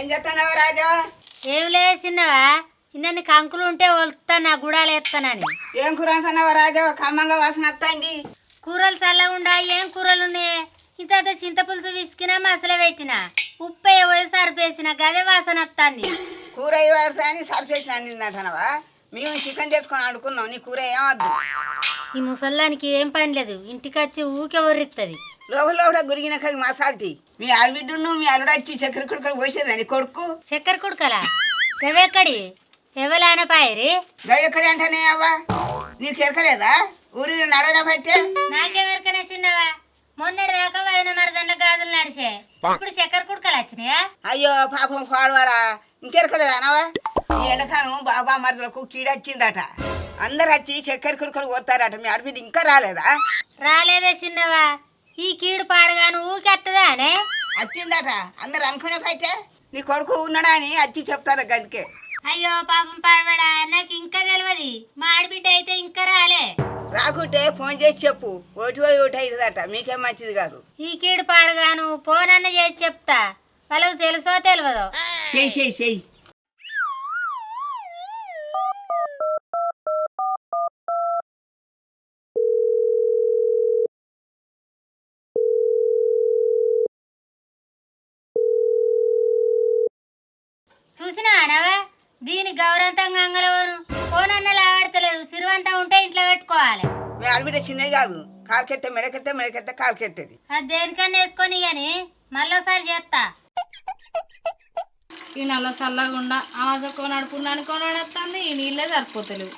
చేస్తున్నావు రాజా? ఏం లేదు చిన్నవా, ఇన్ని కంకులు ఉంటే వలుతా నా గుడాలు ఎత్తానని. ఏం కూర అంటున్నావు రాజా? ఖమ్మంగా వాసన వస్తుంది. కూరలు చల్లగుండా ఏం కూరలు ఉన్నాయి? ఇంత చింతపులుసు విసికినా మసల పెట్టిన ఉప్పు పోయి సరిపేసిన గదే వాసన వస్తుంది. కూర ఇవ్వాలి అని సరిపేసిన అంటున్నావా? మేము చికెన్ చేసుకొని ఆడుకున్నాం, నీ కూర ఏమద్దు. ఈ ముసల్లానికి ఏం పని లేదు, ఇంటికి వచ్చి ఊకే ఒర్రిస్తుంది. లోపల కూడా గురిగిన కలిగి మసాల్టీ. మీ ఆడబిడ్డను మీ అల్లుడు వచ్చి చక్కెర కుడుకలు పోసేదా నీ కొడుకు? చక్కెర కుడుకలా గవెక్కడి ఎవలాన పాయరి? గవెక్కడి అంటేనే అవ్వా నీకు ఎరకలేదా? ఊరి నడవడా పట్టే నాకేమెరకనే చిన్నవా, మొన్నటి దాకా వదిన మరదన్ల గాజులు నడిచే, ఇప్పుడు చక్కెర కుడుకలు వచ్చినాయా? అయ్యో పాపం పాడవాడా, ఇంకెరకలేదా అనవా? ఈ ఎండకాలం బాబా మరదలకు కీడొచ్చిందట, అందరు వచ్చి చక్కెర కుడుకలు పోతారట. మీ ఆడబిడ్డ ఇంకా రాలేదా? రాలేదే చిన్నవా, ఈ కీడు పాడగాను ఊకెత్తదా అనే వచ్చిందట. అందరు అనుకునే పట్టే నీ కొడుకు ఉన్నాడా అని వచ్చి చెప్తారు గదికే. అయ్యో పాపం పాడవాడా, నాకు ఇంకా తెలియదు. మా ఆడబిడ్డ అయితే ఇంకా రాలే. రాకుంటే ఫోన్ చేసి చెప్పు, ఓటు పోయి ఓటు అవుతుందట, మీకేం మంచిది కాదు. ఈ కీడు పాడగాను ఫోన్ అన్న చేసి చెప్తా, వాళ్ళకు తెలుసో తెలియదో. చెయ్యి చెయ్యి చెయ్యి. చూసినా అనవా, దీని గౌరవంతంగా అంగలవను ఫోన్ అన్న లావాడతలేదు. సిరువంతా ఉంటే ఇంట్లో పెట్టుకోవాలి. మీ ఆడబిడ్డ చిన్నది కాదు, కాలుకెత్తే మెడకెత్తే మెడకెత్తే కాలుకెత్తది. అది దేనికన్నా వేసుకొని కానీ మళ్ళీసారి చేస్తా. ఈ నల్ల చల్లగుండా ఆవాజ కొనడుపున్నాను కొనడేస్తుంది, ఈ నీళ్ళే సరిపోతలేవు.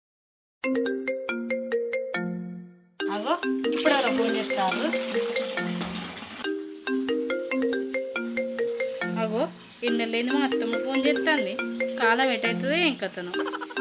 అగో ఇప్పుడు ఎవరో ఫోన్ చేస్తారు. అగో ఇన్నెళ్ళేంది మా అత్తమ్మ ఫోన్ చేస్తుంది. కాలం ఎటవుతుందో ఏం కథను.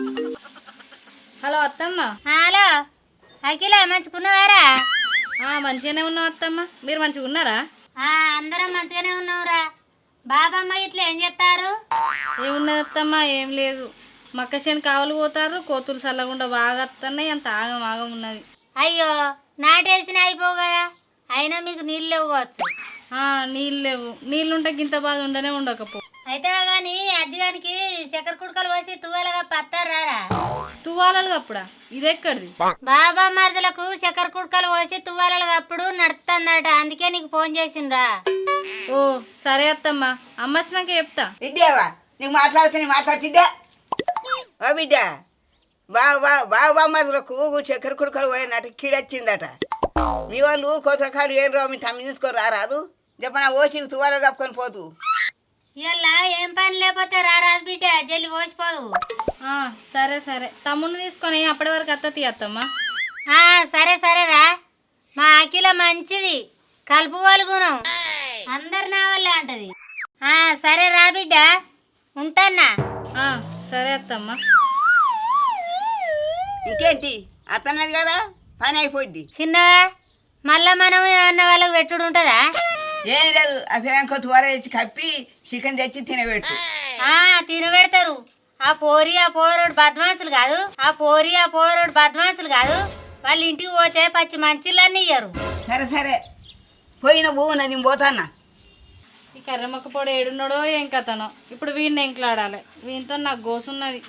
హలో అత్తమ్మ. హలో అఖిల, మంచుకున్నావారా? మంచిగానే ఉన్నాం అత్తమ్మ, మీరు మంచిగా ఉన్నారా? అందరం మంచిగానే ఉన్నావురా. బాబమ్మ ఇట్లా ఏం చేస్తారు? ఏమున్నది అత్తమ్మ, ఏం లేదు. మక్కశని కావలు పోతారు, కోతులు చల్లకుండా బాగా వస్తున్నాయి, అంత ఆగం ఆగం ఉన్నది. అయ్యో నాటేసిన అయిపోవు కదా, అయినా మీకు నీళ్ళు ఇవ్వచ్చు. నీళ్ళు లేవు, నీళ్ళుంటే గింత బాధ ఉండనే ఉండకపో. అయితే కానీ అజ్జిగానికి చక్కెర కుడుకలు పోసి తువ్వాలగా పత్తారా? తువ్వాలలు కప్పుడా? ఇదెక్కడిది? బాబా మరదలకు చక్కెర కుడుకలు పోసి తువ్వాలలు కప్పుడు నడుతుందట, అందుకే నీకు ఫోన్ చేసిండ్రా. ఓ సరే అత్తమ్మ, అమ్మ వచ్చినాక చెప్తా. విద్యావా నీకు మాట్లాడుతుందే ఓ బిడ్డ. బాబా మరదలకు చక్కెర కుడుకలు పోయినట్టు కీడొచ్చిందట. మీ వాళ్ళు కోసకాడు ఏం రావు, మీ తమ్మి తీసుకొని రారాదు చెప్పనా? ఓసి తువాలు కప్పుకొని పోతు. ఇలా ఏం పని లేకపోతే రారాదు బిడ్డ, జల్లి పోసిపోదు. సరే సరే, తమ్ముడిని తీసుకొని అప్పటి వరకు అత్తతి అత్తమ్మ. సరే సరేరా. మా అఖిల మంచిది, కలుపుకోలు గుణం, అందరు నా వల్లే అంటది. సరే రా బిడ్డ, ఉంటానా? సరే అత్తమ్మ. ఇంకేంటి అత్తన్నది కదా, పని అయిపోద్ది. చిన్నవా, మళ్ళా మనం అన్న వాళ్ళకి పెట్టుడు ఉంటుందా? ఏం లేదు, అభిరాంకో తువాల తెచ్చి కప్పి చికెన్ తెచ్చి తినబెట్టు. తినబెడతారు. ఆ పోరోడు బద్మాసులు కాదు, వాళ్ళ ఇంటికి పోతే పచ్చి మంచిలన్నీ ఇయ్యరు. సరే సరే, పోయిన భూమి నేను పోతాన్నా. ఈ కర్రమొక్క పొడి ఏడున్నాడో ఏం కథనో, ఇప్పుడు వీడిని ఎంకలాడాలి, వీనితో నాకు గోసున్నది.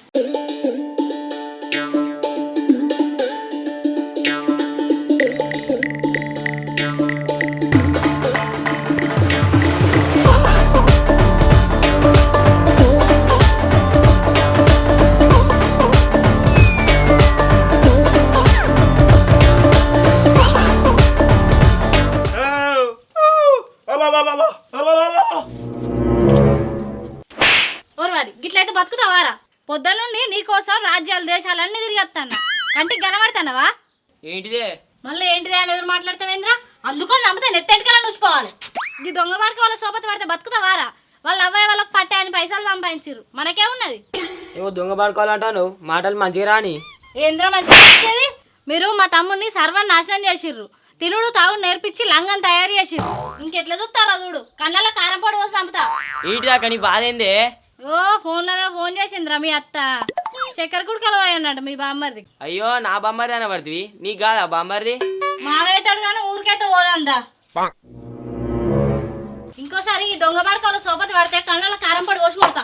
గిట్లయితే బతుకుతావారా? పొద్దున్నుండి నీకోసం రాజ్యాలు దేశాలన్నీ తిరిగి వస్తాను, కంటికి కనబడతానవా? ఏంటిదే మళ్ళీ ఏంటిదే అని ఎదురు మాట్లాడతావేంద్రా? అందుకొని నమ్మితే నెత్తెంటికలా చూసుకోవాలి. ఈ దొంగ వాడికి వాళ్ళ సోపతి పడితే బతుకుతావారా? వాళ్ళ అవ్వాయి వాళ్ళకి పట్టే అని పైసలు సంపాదించారు, మనకేమున్నది? ఏవో దొంగ పడుకోవాలంటాను, మాటలు మంచిగా రాని. ఏంద్రా మంచిగా వచ్చేది? మీరు మా తమ్ముడిని సర్వాన్ని నాశనం చేసిర్రు, తినుడు తాగుడు నేర్పించి లంగం తయారు చేసిర్రు. ఇంకెట్లా చూస్తారా చూడు, కళ్ళల్లో కారం పొడి పోసి చంపుతా. ఏంటిదా కానీ బాధ ఏందే? ఫోన్లోనే ఫోన్ చేసిందిరా మీ అత్త, చక్కెర కుడుకలు అన్నట్టు మీ బామ్మరిది. అయ్యో నా బామ్మర్ది అనబడుతుంది, నీకు కాదా బామ్మర్ది? మాగైతాడు కానీ ఊరికైతే పోదందా. ఇంకోసారి ఈ దొంగ పడకల సోపతి పడితే కళ్ళ కారం పడి కోసి కొడతా.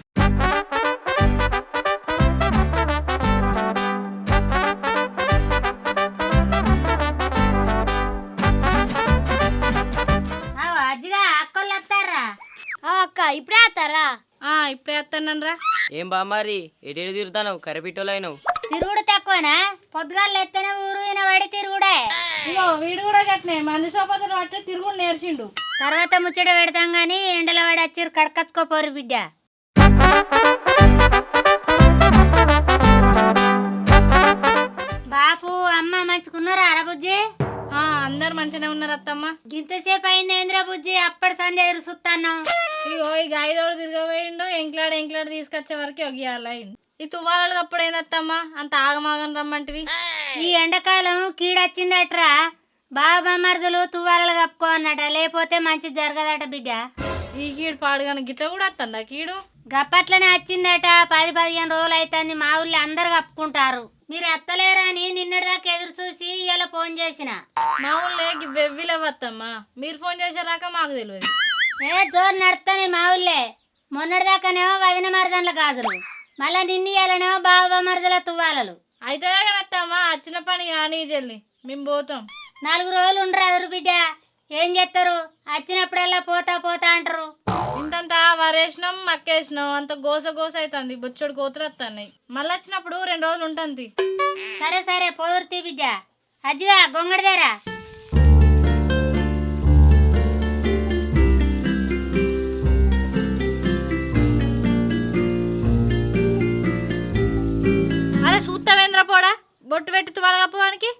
అజ్జిగా అక్కలు వస్తారా? అక్క ఇప్పుడే వస్తారా? ఇప్పుడే వస్తానరా. ఏం బామ్మారి ఎటు తిరుగుతావు కరెపిట్టోలైనవు? తిరుగుడు తక్కువనా? పొద్దుగాలు ఎత్తనే ఊరు వినబడి తిరుగుడే. ఇగో వీడు కూడా గట్నే మంది సోపతులు పట్టి తిరుగుడు నేర్చిండు. తర్వాత ముచ్చట పెడతాం గాని ఎండల వాడి వచ్చి కడకచ్చుకోపోరు బిడ్డ. బాపు అమ్మ మంచుకున్నారా అరబుజ్జి? అందరు మంచిగానే ఉన్నారు అత్తమ్మ. ఇంతసేపు అయింది ఏంద్రా బుజ్జి? అప్పటి సంధ్య ఎదురు చూస్తాను. ఇగో ఈ గాయదోడు తిరగబోయిండు, ఎంక్లాడు తీసుకొచ్చే వరకు ఒగియాలైంది. ఈ తువ్వాలలు అప్పుడైంది అత్తమ్మ, అంత ఆగమాగం రమ్మంటివి. ఈ ఎండాకాలం కీడొచ్చిందట్రా. బాబా మరదలు తువ్వాలలు కప్పుకో అన్నట, లేకపోతే మంచి జరగదట బిడ్డ. ఈ కీడు పాడుగాను గిట్ల కూడా వస్తుందా కీడు? గప్పట్లనే వచ్చిందట. 10-15 రోజులు అవుతుంది. మా ఊళ్ళో అందరు కప్పుకుంటారు. మీరు ఎత్తలేరా అని నిన్నటిదాకా ఎదురు చూసి ఇలా ఫోన్ చేసిన. మా ఊళ్ళో వెవ్విలేవత్తమ్మ, మీరు ఫోన్ చేసారాక మాకు తెలియదు. జోరు నడుస్తానే మా ఊళ్ళే. మొన్నటిదాకానేమో వదిన మరదన్ల గాజులు, మళ్ళా నిన్న ఇయ్యాలనేమో బాబా మరదల తువ్వాలలు. అయితే అత్తమ్మ వచ్చిన పని కానీ చెల్లి మేము పోతాం. 4 రోజులు ఉండరు అదురు బిడ్డ. ఏం చేస్తారు? వచ్చినప్పుడల్లా పోతా పోతా అంటారు. ఇంతంత వరేసినాం మక్కేసినాం, అంత గోస గోస అవుతుంది. బొచ్చడు కోతులు వస్తున్నాయి. మళ్ళీ వచ్చినప్పుడు 2 రోజులు ఉంటుంది. సరే సరే పోదురుతీ బిడ్డ. అజ్జిగా గొంగడిదేరా. అరే సూత్తవేంద్ర పోడా, బొట్టు పెట్టి తువాల కప్పవానికి.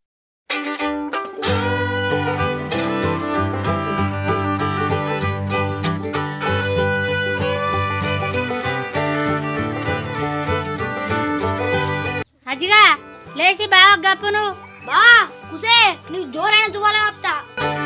అజ్జిగా లేచి బాగా గప్పును. బా కుసే నీకు జోరైన తువ్వాల కప్తా.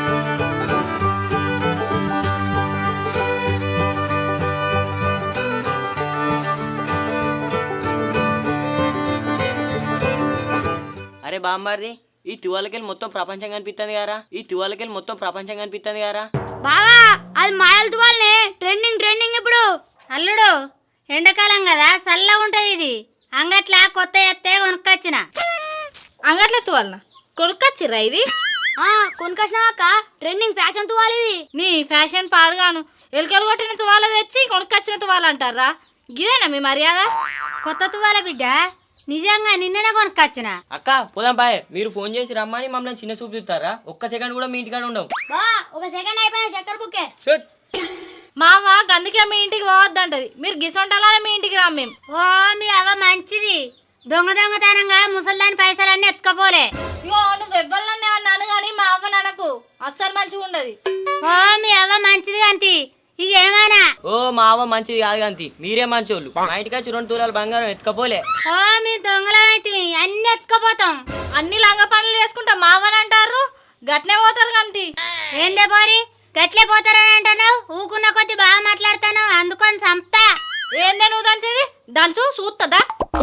అరే బామ్మారి ఈ తువాలకెళ్ళి మొత్తం ప్రపంచం కనిపిస్తుంది గారా, ఈ తువాలకెళ్ళి మొత్తం ప్రపంచం కనిపిస్తుంది గారా. బావా అది మాడల తువ్వాలనే, ట్రెండింగ్ ఇప్పుడు. అల్లుడు ఎండాకాలం కదా చల్లగా ఉంటది. ఇది అంగట్లా కొత్త ఎత్తే కొనుక్కొచ్చిన. అంగట్ల తువాలన కొనుక్కొచ్చిర్రా ఇది? కొనుకొచ్చినాక ట్రెండింగ్ ఫ్యాషన్ తువ్వాలి ఇది. నీ ఫ్యాషన్ పాడుగాను, ఎలుకలు కొట్టిన తువాల తెచ్చి కొనుక్కొచ్చిన తువాల అంటారా? గిదేనా మీ మర్యాద? కొత్త తువ్వాల బిడ్డ, నిజంగా నిన్ననే కొనుక్కొచ్చిన. అక్క పోదాం బాయ్, మీరు ఫోన్ చేసి రమ్మని మమ్మల్ని చిన్న చూపు చూస్తారా? ఒక్క సెకండ్ కూడా మీ ఇంటికాడ ఉండవు. ఒక సెకండ్ అయిపోయిన చక్కెర బుక్కే. మామ అందుకే మీ ఇంటికి పోవద్దంటది. మీరు గిసొంటాలనే మీ ఇంటికి రాం మేము. ఓ మీ అవ్వ మంచిది. దొంగతనంగా ముసల్దాని పైసలన్నీ ఎత్తుకపోలే. ఇగో నువ్వు ఎవ్వరన్నా అన్నాను కానీ మా అవ్వ ననకు అస్సలు మంచిగా ఉండదు. ఓ మీ అవ్వ మంచిది అంతి. ఇక ఏమైనా ఓ మా అవ్వ మంచిది కాదు అంతి, మీరే మంచోళ్ళు. మా ఇంటికి వచ్చి 2 తులాల బంగారం ఎత్తుకపోలే. ఓ మీ దొంగలమైతే అన్ని ఎత్తుకపోతాం. అన్ని లంగ పనులు చేసుకుంటా మా అవ్వని అంటారు, గట్నే పోతారు కంతి. ఏందే పోరి గట్లే పోతారని అంటున్నావు? ఊకున్న కొద్ది బాగా మాట్లాడతాను, అందుకొని సంపుతా. ఏందే నువ్వు దంచేది? దంచు చూస్తుందా?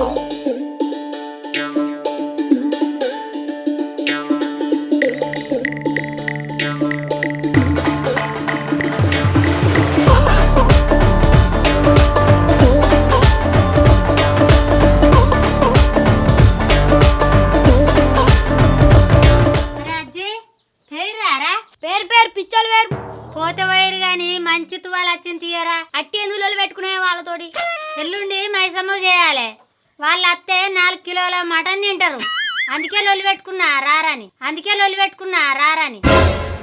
పేరు పిచ్చోళ్ళు వేరు పోతే పోయారు గాని మంచి తువాలు వచ్చింది తీయరా. అట్టి ఎందులో పెట్టుకునే వాళ్ళతోటి ఎల్లుండి మైసమ్మ చేయాలి. వాళ్ళు అత్తే 4 కిలోల మటన్ తింటారు. అందుకే లొల్లి పెట్టుకున్నా రారని.